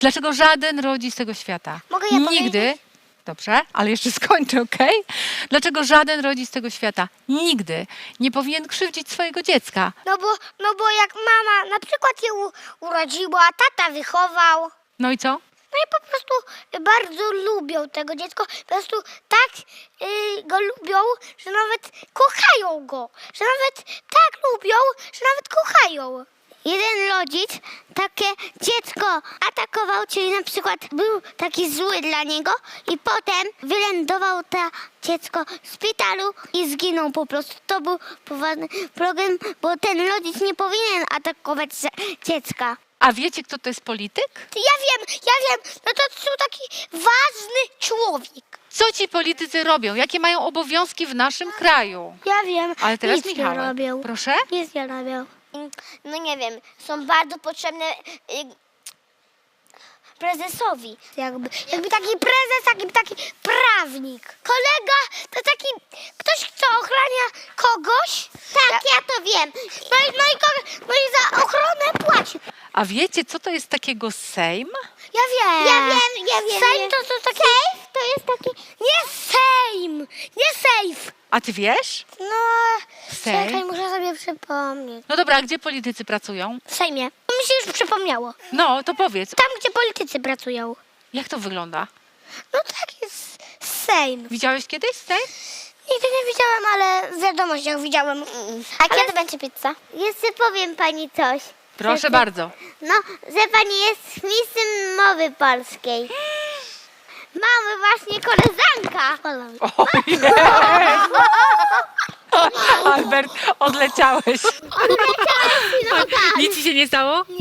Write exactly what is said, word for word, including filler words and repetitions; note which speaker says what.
Speaker 1: Dlaczego żaden rodzic tego świata
Speaker 2: Mogę ja
Speaker 1: nigdy,
Speaker 2: powiedzieć?
Speaker 1: dobrze, ale jeszcze skończę, okej? Dlaczego żaden rodzic tego świata nigdy nie powinien krzywdzić swojego dziecka?
Speaker 2: No bo, no bo jak mama na przykład je u, urodziła, tata wychował.
Speaker 1: No i co?
Speaker 2: No i po prostu bardzo lubią tego dziecko. Po prostu tak y, go lubią, że nawet kochają go. Że nawet tak lubią, że nawet kochają. Jeden rodzic takie dziecko atakował, czyli na przykład był taki zły dla niego i potem wylądował to dziecko w szpitalu i zginął po prostu. To był poważny problem, bo ten rodzic nie powinien atakować dziecka.
Speaker 1: A wiecie, kto to jest polityk?
Speaker 2: Ja wiem, ja wiem, no to są taki ważny człowiek.
Speaker 1: Co ci politycy robią? Jakie mają obowiązki w naszym kraju?
Speaker 2: Ja wiem,
Speaker 1: Ale teraz
Speaker 2: nic
Speaker 1: Michał.
Speaker 2: nie robią.
Speaker 1: Proszę?
Speaker 2: Nic nie robią. No nie wiem, są bardzo potrzebne y, prezesowi. Jakby, jakby taki prezes, jakby taki prawnik. Kolega to taki ktoś, kto ochrania kogoś. Tak, ja, ja to wiem. No i, no, i, ko- no i za ochronę płaci.
Speaker 1: A wiecie, co to jest takiego Sejm?
Speaker 2: Ja wiem. Ja wiem, ja wiem. Sejm to, to taki... Sejf to jest taki... Nie sejm, nie sejf.
Speaker 1: A ty wiesz?
Speaker 2: No,
Speaker 1: Sejm?
Speaker 2: czekaj, muszę sobie przypomnieć.
Speaker 1: No dobra, a gdzie politycy pracują?
Speaker 2: W Sejmie. Mi się już przypomniało.
Speaker 1: No, to powiedz.
Speaker 2: Tam, gdzie politycy pracują.
Speaker 1: Jak to wygląda?
Speaker 2: No tak jest Sejm.
Speaker 1: Widziałeś kiedyś Sejm?
Speaker 2: Nigdy nie widziałam, ale w wiadomościach widziałem. A ale... kiedy będzie pizza? Jeszcze powiem pani coś.
Speaker 1: Proszę bardzo.
Speaker 2: No, że pani jest mistrzem mowy polskiej. Mamy właśnie koleżanka.
Speaker 1: Ojej. Albert, odleciałeś.
Speaker 2: No tak.
Speaker 1: Nic ci się nie stało?